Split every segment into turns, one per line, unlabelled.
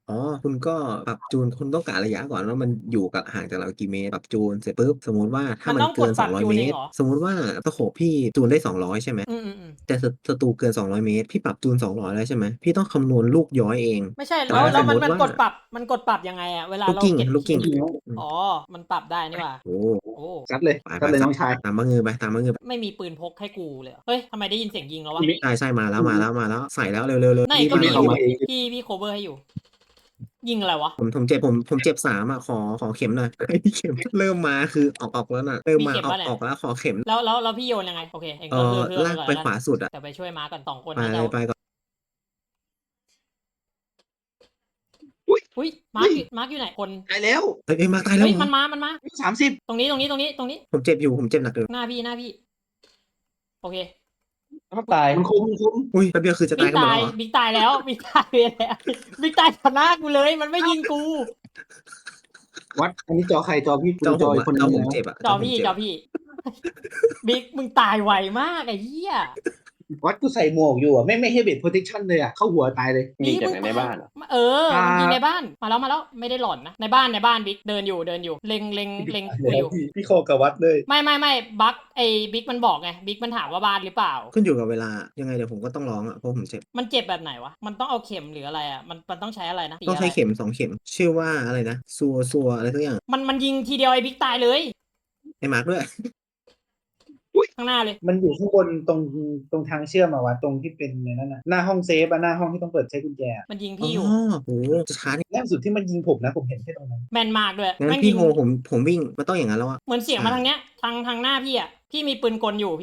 อ๋อคุณก็ปรับจูนคุณต้องกะระยะก่อนว่ามันอยู่กับห่างจากเรากี่เมตรปรับจูนเสร็จปุ๊บสมมุติว่าถ้า
มัน
มันเกิน
ต้องกดปรับ
200เมตร
จูนเองเหรอ
สมมุติว่าสโคปพี่จูนได้200ใช่ไหม
อืม
แต่ศัตรูเกิน200เมตรพี่ปรับจูน200แล้วใช่ไหมพี่ต้องคำนวณลูกย้อยเอง
ไม่ใช่
แต่
แล้วแล้วมัน
สมมุติว่า
มันกดปรับยังไงอะเวลา
ลูกกิ้ง
เราเก็บ
ลูกกิ้ง
คิว
อืม
อ๋อมันปรับได้นี่หว่า
โอ้
โอ้
ซัดเลย
ไป
น้องชาย
ตามบังเงือไปตามบังเงือไป
ไม่มีปืนพกให้กูเลยเหรอเฮ้ยทำไมได้ยินเสียงยิงแล้ววะ
ใช่มาแล้วใส่แล้วเร็วๆเลย
ไหน
รีบ
ก็มีอยู่
มารีบมา
พี่โคเวอร์ให้อยู่ยิงอะไรวะ
ผมเจ็บ3อ่ะขอเข็มหน่อยเข็มเริ่มมาคือออกแล้วน่ะเริ่ม
มี
มา
เข็มป่ะเนี่ย
ออกแล้วขอเข็ม
แล้วพี่โยนยังไงโอเคเองก็เพื่อไป
ลากไป
ก่อนแล้วกัน
ขวาสุดอ่ะ
แต่ไปช่วยม้าก่อน2 คน
ไป
น่าจะ
เลยไปก่อน
อุ้ย
อุ้ย
อุ้ย
มาร์คอยู่ไหนคน
ตายแล้ว
เอ้ยมาตายแล้ว
เฮ้ย
เหรอ
มันมา
30
ตรงนี้
ผมเจ็บอยู่ผมเจ็บหนักเลย
หน้าพี่โอเค
ถ้าตาย
มันคม
อุ้ยแป๊บเดียวคือจะตายกันหมดแล้วเหรอ
บิ๊กตายแล้วบิ๊กตายไปแล้วบิ๊กตายต่อหน้ากูเลยมันไม่ยิงกู
วัดอันนี้จอใครจอพี่กูจออีกคนนึ
จอง ผม
นะ
เจ็บอ่ะ
จอ
ผมเจ็บอะ
พี่บิ๊กมึงตายไวมากไอ้เหี้ย
วัดกูใส่หมวกอยู่อ่ะไม่ให้เบสโปรเทคชั่นเลยอ่ะเข้าหัวตายเลย
ยิงจากไหนในบ้านเหรอ
เออมันยิงในบ้านมาแล้วไม่ได้หล่อนนะในบ้านบิ๊กเดินอยู่เล็งกูอยู่
พี่โคกับวัดเลย
ไม่บักไอ้บิ๊กมันบอกไงบิ๊กมันถามว่าบ้านหรือเปล่า
ขึ้นอยู่กับเวลายังไงเดี๋ยวผมก็ต้องร้องอ่ะเพราะผมเจ็บ
มันเจ็บแบบไหนวะมันต้องเอาเข็มหรืออะไรอ่ะมันต้องใช้อะไรนะสีอะไร
ต้องใช้เข็ม2 เข็มชื่อว่าอะไรนะซัวอะไรสักอย่าง
มันยิงทีเดียวไอ้บิ๊กตายเลย
ไอ้มาร์คด้วย
ข้างหน้าเลย
มันอยู่ข้างบนตรงทางเชื่อมอะวัดตรงที่เป็นในนั้นน่ะหน้าห้องเซฟอะหน้าห้องที่ต้องเปิดใช้กุญแจอะ
มันยิง
อ๋อ
พี่อยู่
โหจะช้านี่
ล่าสุดที่มันยิงผมนะผมเห็นแค่ตรงนั้น
แม่นมากด้วย
งั้
แม่งยิง
นพี่โฮผมวิ่งมันต้องอย่างนั้นแล้วอ่ะ
เหมือนเสียงมาทางเนี้ยทางหน้าพี่อ่ะพี่มีปืนกลอยู่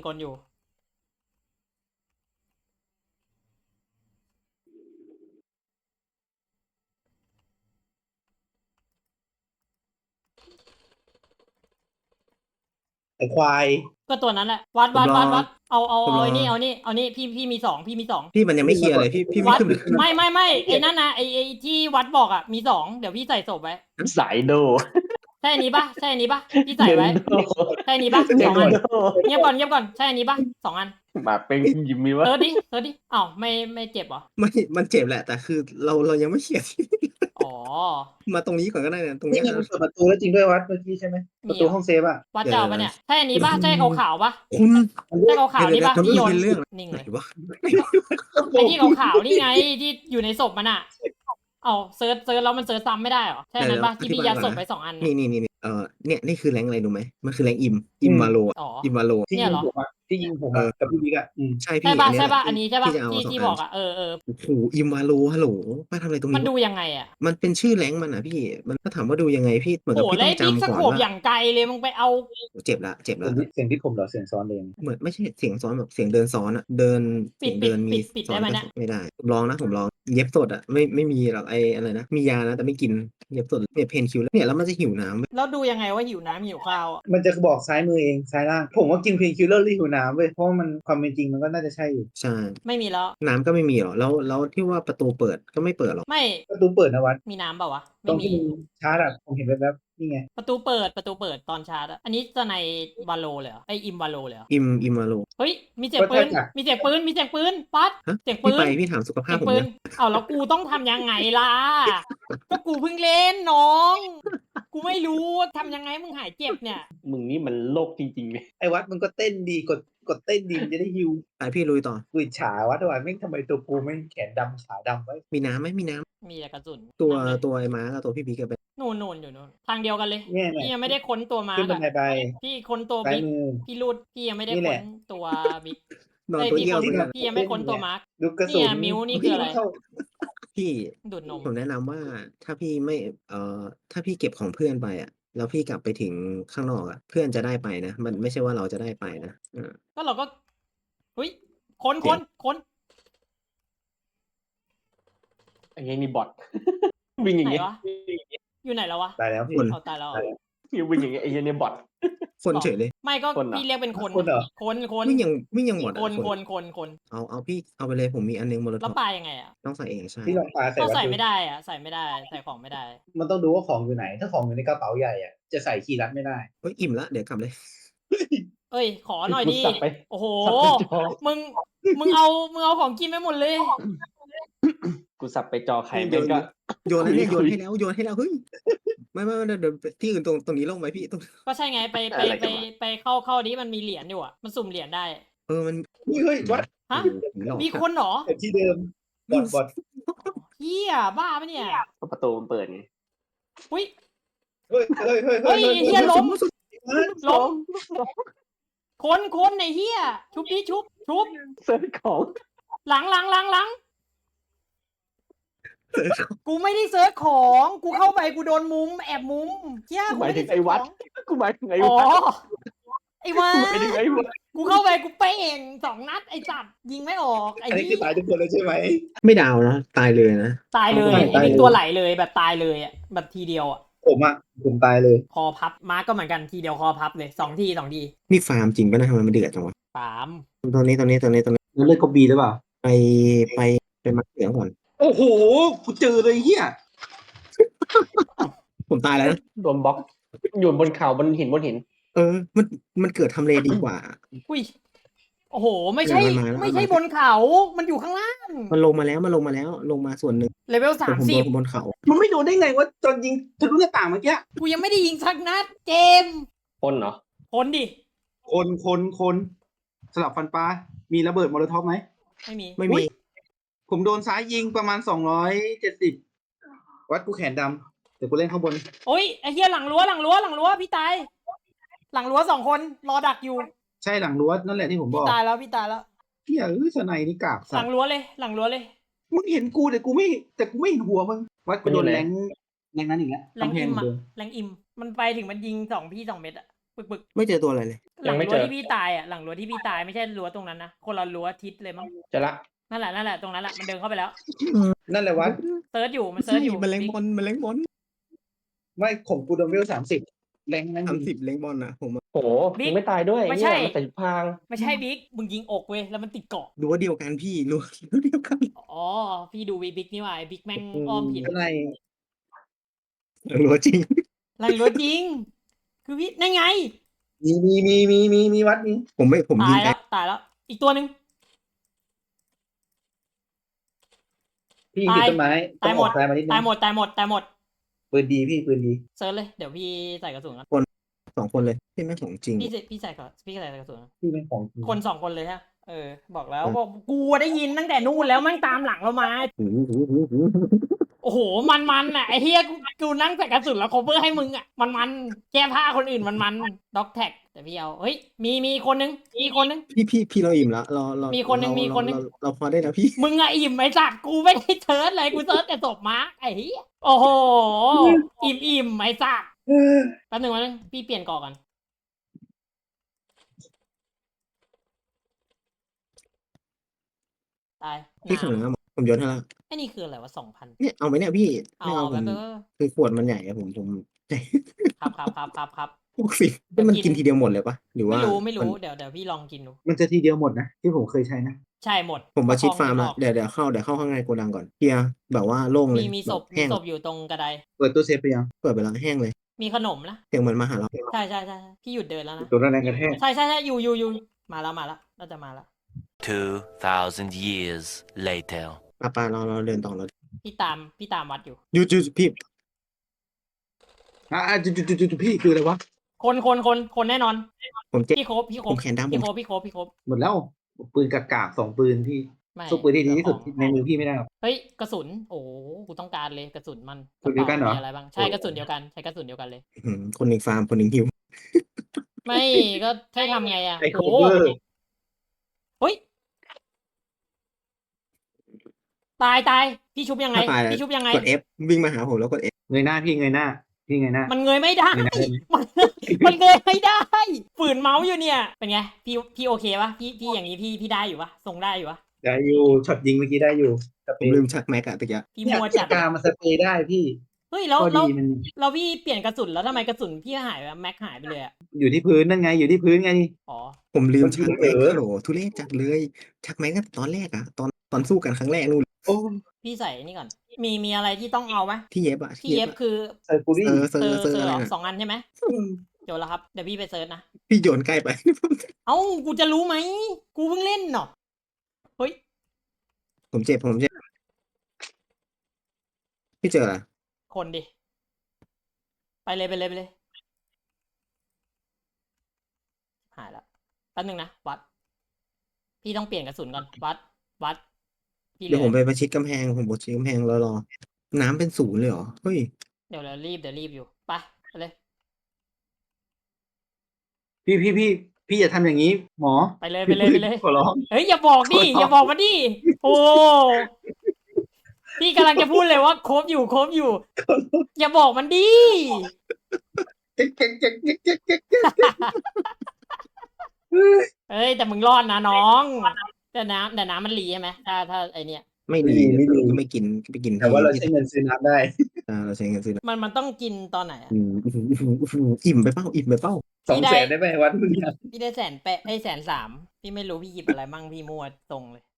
ไอ้ควาย
ก็ตัวนั้นแหละวัดเอา
ผมรอ
ไอ้นี่เอานี่พี่มี2
พี่มันยังไม่เคลียร์เลยพี่ไม่
วัด
ขึ้นไป
ไม่ไอ้นั่นนะไอ้ที่วัดบอกอ่ะมี2เดี๋ยวพี่ใส่ศพไว้
สายโด
ใช่อันนี้ปะพี่ใส่ไว้
เนโด
ใช่อันนี้ปะ
เน
2 อัน
โด
เงียบก่อนใช่อันนี้ปะ2 อัน
หมาเป็นยิมมีวะ
เซิร์ชดิอ้าวไม่เจ็บเหรอ
ไม่มันเจ็บแหละแต่คือเรายังไม่เคลียร์ที่
อ๋อ
มาตรงนี้ก่อนก็ได้นะตรง
นี่
เนี้ย
ไงมันเปิดประตูแล้วจริงด้วยวัดเมื่อกี้ใช่ไหมประตูห้องเซฟอะ
วัดเจ้าปะเนี่ยใช่อันนี้ปะใช่ขาวๆปะ
คุณ
ใช่ขาวๆนี่ปะที่โยน
เรื่อง
นิ่ง
ไหน
เลยว
ะ
ไอ้ที่ขาวๆนี่ไงที่อยู่ในศพมันอ่ะเอาเซิร์ชแล้วมันเซิร์ชซ้ำไม่ได้เหรอใช่อันนั้นปะที่พี่ยัดศพไป2 อันน่ะ
นี่เนี่ยนี่คือแรงอะไรรู้ไหมมันคือแรงอิมวาโล
อ๋อ
อิมวาโล
ที่
เนี่ย
ยิง
เหรอ
ผมอะที่ยิงผมอะกับพี่บิ๊กอะ
ใช่
ใช่
พี่
ปะ
อันนี้แหละ
อันนี้ใช่ปะ
ที่จะเอา2
ที่
อัน
บอกอ่ะ
โอ้โหอิมวาโลฮัลโหลมาทำอะไรตรง
มัน
นี้
ดู
วะ
ยังไงอ่ะ
มันเป็นชื่อแรงมันอ่ะพี่มันก็ถามว่าดูยังไงพี่เหมือน
โห
กับพี่
แล้วไอ้บิ๊ก
ต้องจำก่อน
สโคป
ว่า
อย่างไกลเลยมึงไปเอา
เจ็บละ
เสียงที่ผมเหรอเสียงซ้อนเอง
เหมือนไม่ใช่เสียงซ้อนแบบเสียงเดินซ้อนอะเดินเสียงเดินมี
ปิด
ซ้อนก็
ได้ไหมเนี่ย
ไม่ได้ผมลองเย็บสดอะไม่มีหรอกไออะไรนะมียานะแต่ไม่กินเย็บสดเนี่ยเพนคิวแล้วเนี่ยแล้วมันจะหิวน้ำเว้ย
แล้วดูยังไงว่าหิวน้ำหิวข้าวอ่ะ
มันจะบอกซ้ายมือเองซ้ายล่างผมว่ากินเพนคิลเลอร์รีหิวน้ำเว้ยเพราะว่ามันความเป็นจริงมันก็น่าจะใช่อยู่
ใช่
ไม่มีแล้ว
น้ำก็ไม่มีหรอกแล้วที่ว่าประตูเปิดก็ไม่เปิดหรอก
ไม่
ประตูเปิดนะวัด
มีน้ำเปล่าวะ
ตร
ไม่มี
งที่มันชาร์จอะผมเห็นแวบๆนี่ไง
ประตูเปิดตอนชาร์จอะอันนี้จะในวาโลเลยเหรอไออิมวาโลเลยเหรอ
อิมมาโล
เฮ้ยมีเสียงปืนปั๊ด
ฮะ
เสียงปืน
พี่ถามสุขภา
เสียงปืน
พผมเนี่ย
เอาแล้วกูต้องทำยังไงล่ะก็กูเพิ่งเล่นน้องกูไม่รู้ทำยังไงมึงหายเจ็บเนี่ย
มึงนี่มันโลกจริงๆเลย
ไอ้วัดมันก็เต้นดีกดเต้นดีมันจะได้ฮิว
ไปพี่ลุยต่อ
กูอิจฉาวัดว่าแม่งทำไมตัวกูไม่งแขนดำขาดำไว้
มีน้ำไหมมีน้
มีแต่กระสุน
ำตัว
นั่นเลย
ตัวไอ้ม้ากับตัวพี่พีกับเป็น
นู่นอยู่นู่นทางเดียวกันเลย
เนี่ย
พี่ยังไม่ได้ค้นตัวมาร์
ขึ้นบันไดไป
พี่ค้นตัว
ซ้าย
บิ๊ก
มือ
พี่รูดพี่ยังไม่ได้
นี่แห
ค้
ละ
นตัวบิ๊ก
นอนตัว
พี่
เยี่ยว
ค้น
ตัวนั้น
พี่ยังไม่ค้นตัวมาร์ค
ดูกระสุน
เนี่ยมิ้วนี่คืออะไร
เข้า
พี่
ดูดนม
ผมแนะนำว่าถ้าพี่ไม่ถ้าพี่เก็บของเพื่อนไปอ่ะแล้วพี่กลับไปถึงข้างนอกอ่ะเพื่อนจะได้ไปนะมันไม่ใช่ว่าเราจะได้ไปนะ
ก็เราก็เฮ้ยค้น
เดี๋ยว
ค้น
ไอ้เงี้ยนี่บอท วิ่งอย่าง
ไหน
เงี้ยว
ะอยู่ไหนแล้ววะ
ตายแล้วพี่
เอาตายแล้วเหรอ
วิ่งอย่างเงี้ยไอ้เงี้ยนี่บอท
คนเฉยเลย
ไม่ก็
คนเหรอ
พี่เรียกเป็นคน
คนเหรอ
คน
วิ่งยังหมด
คน
เอาพี่เอาไปเลยผมมีอันนึงโมโลท็
แล้
อ
ว
ป
ปลายังไงอ่ะ
ต้องใส่เองใช่
พี่ลองปาใส่
ก็
วัด
ใส่
ดู
ไม่ได้อ่ะใส่ของไม่ได้
มันต้องดูว่าของอยู่ไหน ถ้าของอยู่ในกระเป๋าใหญ่อะจะใส่คีย์ลัดไม่ได้
เฮ้ยอิ่มละเดี๋ยวกลับเลย
เอ้ยขอหน่อยดิ
สับไป
โอ้โห
สับไปจอ
มึงเอาของกินไปหมดเลย
กูสับไปจอใครแม่งก็
โยนแล้วเนี่ยโยนให้แล้วเฮ้ยไม่เดี๋ยวที่อื่นตรงนี้ลงไหมพี่ตรง
ก็ใช่ไงไป
อะไรกันวะ
ไปเข้านี้มันมีเหรียญอยู่อ่ะมันสุ่มเหรียญได้
มัน
เฮ้ยวัด
ฮะ
ผีหลอก
มีคนเหรอ
แต่ที่เดิมบอด
เฮียบ้าปะเนี่ย
ก็ประตูมันเปิดไง
อุ้ย
เฮ้ย
เฮ้ยเฮียล้ม
วัด
ล้มคนไอ้เฮียชุบดิชุบ
เซิร์ชของ
หลังกูไม่ได้เซิร์ชของกูเข้าไปกูโดนมุมแอบมุมเฮีย
หมายถึงไอ้วัด กูหมายถึงไอ้
อ๋อ
วัด
ไอ้วั
หมายถึงไอ้
ด
วัด
กูเข้าไปกูเป้ง2 นัดไอ้สัตว์ยิงไม่ออกไอ้
อันนี้
เหี้
คือย ตายทุกคนเลยใช่ไหม
ไม่ดาวนะตายเลยนะ
ตายเลย
ตาย
ไอ้นี่
เลย
ตัวไหลเลยแบบตายเลยอ่ะแบบทีเดียวอ่ะ
ผมตายเลย
คอพับมาร์กก็เหมือนกันทีเดียวคอพับเลย2 ที
นี่ฟาร์มจริงป่ะนะทำไมมันเดือดจังวะ
3
ตรงนี้
แล้วเลือดก็บีหรือเปล่า
ไปมาเหลืองก่อน
โอ้โหกูเจอเลยเฮีย
ผมตายแล้วนะ
โดนบล็อก อยู่บนเขาบนหิน
มันเกิดทำเลดีกว่า
อุ้ยโอ้โหไม่ใช่
เดี๋ยวมันมาแล้ว
ไม่ใช่บนเขามันอยู่ข้างล่าง
มันลงมาแล้วลงมาส่วนหนึ่ง
เลเวล
แต่ผมโดนบนเขา
มันไม่โดนได้ไงวะตอนยิงทะลุหน้าต่างเมื่อกี้
30กูยังไม่ได้ยิงสักนัดเจมส์
คนเหรอ
คนดิ
คนสลับฟันปลา มีระเบิดโมโลท็อปไหม
ไม่มี
ไม่มี
ผมโดนซ้ายยิงประมาณ270วัดกูแขนดำเดี๋ยวกูเล่นข้างบน
โอ้ยไอ้เหี้ยหลังรั้วพี่ตายหลังรั้ว2 คนรอดักอยู่
ใช่หลังรั้วนั่นแหละที่ผมบ
พี่
อก
ตายแล้ว
เฮียสไนนี่กาก
ห
สั
ลั
ต
ง
ว์
รั้วเลย
มึงเห็นกูแต่กูไม่เห็นหัวมึงวัดกูโดน
มันอยู่ไหน
แรงนั้นอีกแล้ว
แรง
กำแพ
อิ
ง
ม
เหมือน
อะ
เดิม
แรงอิมมันไปถึงมันยิง2 พี่ 2 เม็ดอะปึก
ไม่เจอตัวอะไรเลย
หลั
ยัง งไม่
รั้ว
เจอ
ที่พี่ตายอะหลังรั้วที่พี่ตายไม่ใช่รั้วตรงนั้นนะคนละรั้วทิศเลยมั้ง
จะละ
นั่นแหละตรงนั้นแหละมันเดินเข้าไปแล้ว
นั่นแหละวัด
เซิร์ชอยู่มันเซิร์ชอยู่
มันแรงบอล
ไม่ของกูโดนเวล30แรงนั้นจริง
30แรงบอลนะผมอะ
โหยังไม่ตายด้วย
ไม่ใช่
เนี่ยมันใส่พราง
ไม่ใช่บิ๊กมึงยิงอกเว้ยแล้วมันติดเกาะ
รั้วเดียวกันพี่รั้วเดียวกัน
อ๋อพี่ดูบิ๊กนี่หว่าไอ้บิ๊กแม่งอ้อมผิด
สไน
รั้วจริง
หลังรั้วจริง คือพี่นั่นไง
มีวัดนี้
ผมยิ
ตาง ย
แอ
แล้วตายแล้วอีกตัวหนึ่ง
พี่ยิงติดต้นไม้
ตายหมด
ตายมานิดนึ
ตาย
ง
หมด
ปืนดีพี่ปืนดี
เซิร์ชเลยเดี๋ยวพี่ใส่กระสุนกัน
2 คนเลยที่แม่งของจริง
พี่ใส่กระสุน
พี่เป็นของจริง
คน2 คนเลยฮะบอกแล้วบอกกูได้ยินตั้งแต่นู่นแล้วแม่งตามหลังเรามา โอ้โหมันอ่ะไอ้เฮียกูนั่งใส่กระสุนแล้วโคเวอร์ให้มึงอ่ะมันแก้ผ้าคนอื่นมันด็อกแท็กแต่พี่เอาเฮ้ยมีคนนึง
พี่เราอิ่มแล้วเรา
มีคนหนึ่ง
เราพอได้แล้วพี่
มึงอะอิ่มไอ้สัตว์กูไม่ได้เซิร์ชเลยกูเซิร์ชแต่ศพมาร์คไอ้เฮียโอ้โหอิ่มไอ้สัตว์แป๊บนึงพี่เปลี่ยนก่อน ตาย
พี่ขนาดนั้นผมโยนให้ละ
ไอ้นี่คืออะไรวะ2,000
เนี่ยเอาไหมเนี่ยพี่
เอา
ไม่เอาผ
แป๊
ม
บ
คือขวดมันใหญ่อะผม
ครับ
60มันกินทีเดียวหมดเลยปะหรือว่า
ไม่รู้
น
เดี๋ยวพี่ลองกินดู
มันจะทีเดียวหมดนะที่ผมเคยใช้นะ
ใช่หมด
ผมมาชิดฟาร์ม
แล้
ละเดี๋ยวเข้าข้างในโกดังก่อนเคลียร์แบบว่าโล่งเลย
มีศพ
แห้ง
อยู่ตรงกระได
เปิดตู้เซฟไปยัง
เปิดไปแล้วแห้งเลย
มีขนมนะ
เสียงเหมือนมาหาเรา
ใช่พี่หยุดเดินแล้วนะ
ตัวแรงกระแทก
ใช่อยู่มาแล้วน่าจะมาแล้ว
2,000 years later.
ปาเราเดินต่อเรา
พี่ตามวัดอยู่
หยุดพี่
จุดพี่คืออะไรวะ
คนแน่นอน
ผมเจ็บ
พี่ครบ
ผมแขนดำ
พี่ครบ
หมดแล้วปืนกากๆ2 ปืนที่
ไม่
สู้ปืนที่ดีที่สุดในมือพี่ไม่ได้หรอก
เฮ้ยกระสุนโอ้กูต้องการเลยกระสุนมัน
กระสุนเดียวกันเหรอ
มีอะไรบ้างใช่กระสุนเดียวกันใช้กระสุนเดียวกันเลย
คนหนึ่งฟาร์มคนหนึ่งฮิว
ไม่ก็ให้ทำไงอ่ะ
ไอ้โค
โอ้
เวอร์
เฮ้ยตายพี่ชุบยังไง
ถ้าตาย
พี่ชุบยังไง
กด F วิ่งมาหาผมแล้วกด F
เงยหน้าพี่เงยหน้า
มันเงยไม่ได้
เงยหน้าได้ไหม
มันเงยไม่ได้ ฝืนเมาส์อยู่เนี่ย เป็นไง พี่โอเคปะพี่อย่างนี้พี่ได้อยู่ปะทรงได้อยู่ปะ
ได้อยู่ช็อตยิงเมื่อกี้ได้อยู่ส
ผ
เป
ม
รย์
ลืมชักแม็กอะตะกี้
พี่
เนี่ย
มัวจัด
กามาสเปรย์ได้พี่
เฮ้ยแล้ว
ข้อดีมัน
พี่เปลี่ยนกระสุนแล้วทำไมกระสุนพี่หายไปแม็กหายไปเลยอะ
อยู่ที่พื้นนั่นไงอยู่ที่พื้นไง
อ๋อ
ผมลืมชักแม็ก
เออ
ฮัลโหลทุเรศจัดเลยชักแม็กตั้งแต่ตอนแรกอะตอนสู้กันครั้งแรกนู่น
โอ้
พี่ใส่นี่ก่อน มีอะไรที่ต้องเอาไหม
ที่เย็บอะ
ที่เย็บ
อะ
คือ
ไซฟูรี่
เซอร์
เซอร์
อะไร
เหรอ
น่ะ
2 อันใช่ไหมโจทย์แล้วครับเดี๋ยวพี่ไปเซิร์ชนะ
พี่โยนใกล้ไป
เอ้ากูจะรู้ไหมกูเพิ่งเล่นเนาะเฮ้ย
ผมเจ็บพี่เจออะไร
คนดิ ไปเลยไปเลยไปเลย หายแล้วแป๊บนึงนะวัด พี่ต้องเปลี่ยนกระสุนก่อนวัดพี่เห
เดี๋
ลื
ยว
อ
ผมไปประชิดกำแพงผมประชิดกำแพงรอน้ำเป็นศูนย์เลยเหรอเฮ้ย
เดี๋ยวรีบอยู่ไปเลย
พี่อย่าทำอย่างนี้ หมอ
ไปเลย
พี่
ไปเลย
ขอร้อง
เฮ้ยอย่าบอกดิ
ขอร้อง
อย่าบอกมาดิโอ้พี่กำลังจะพูดเลยว่าครบอยู่ อย่าบอกมันดิ
เจ๊กเจ๊กเจ๊กเจ๊กเจ๊กเจ๊ก
เฮ้ยแต่มึงรอดนะน้อง แต่น้ำมันรีใช่ไหมถ้าไอเนี้ย
ไม่ดี
ไม่ดี
ก็ไม่กินก็ไปกิน
แต่ว่าเรา
ที่
ใช้เงินซื้อน้ำได้
เราใช้เงินซื้อนะ
มันต้องกินตอนไหนอะ
อิ่มไปเป้าอิ่มไปเป้า
200,000ได้ไหมวัดมึงเนี่ย
พี่ได้100,000 130,000พี่ไม่รู้พี่หยิบอะไรมั่งพี่มั่วตรงเลย